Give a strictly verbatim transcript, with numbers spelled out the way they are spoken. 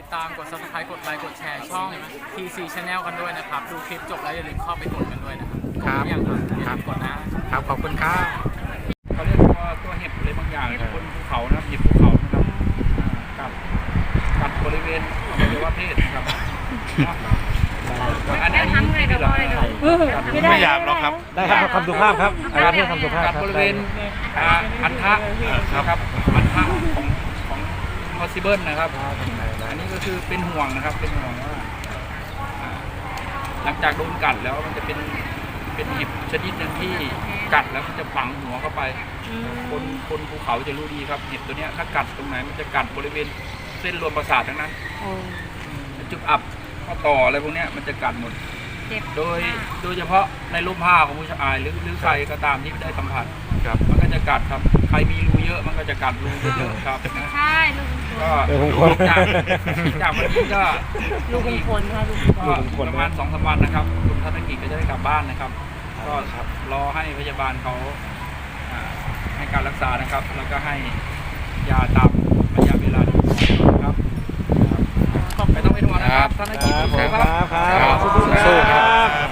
ติดตามกด ซับสไครบ์ กดไลค์กดแชร์ช่อง ที ซี Channel กันด้วยนะครับดูคลิปจบแล้วอย่าลืมเข้าไปกดกันด้วยนะครับครับกดหอยังครับอย่าลืมกดนะครับขอบคุณครับเขาเรียกว่าตัวเห็บอะไรบางอย่างบนภูเขานะครับเห็บภูเขานะครับกัดกัดบริเวณอวัยวะเพศนะครับอันนี้ทำไงก็ได้ไม่อยากหรอกครับได้ครับคำสุภาพครับอาจารย์พูดคำสุภาพกัดครับบริเวณอันทะนะครับอันทะของของ possible นะครับอันนี้ก็คือเป็นห่วงนะครับเป็นห่วงว่าหลังจากโดนกัดแล้วมันจะเป็นเป็นเห็บชนิดหนึ่งที่กัดแล้วมันจะฝังหัวเข้าไปคนคนภูเขาจะรู้ดีครับเห็บตัวเนี้ยถ้ากัดตรงไหนมันจะกัดบริเวณเส้นรวมประสาททั้งนั้นจุดอับข้อต่ออะไรพวกเนี้ยมันจะกัดหมดโดยโดยเฉพาะในร่มผ้าของผู้ชายหรือหรือใครก็ตามที่ได้สัมผัสครับมันก็จะกัดครับใครมีรูเยอะมันก็จะกัดรูเยอะครับนะใช่ลูกก็เออผมคนจากจากวันนี้ก็ลูกคนค่ะลูกก็ประมาณสองสามวันนะครับคุณธนกิจก็จะได้กลับบ้านนะครับ ก็รอให้พยาบาลเขาอ่าให้การรักษานะครับ แล้วก็ให้ยาตามระยะเวลาที่เหมาะสมครับไม่ต้องเป็นห่วงนะครับธนกิจครับสู้ครับครับสู้ครับ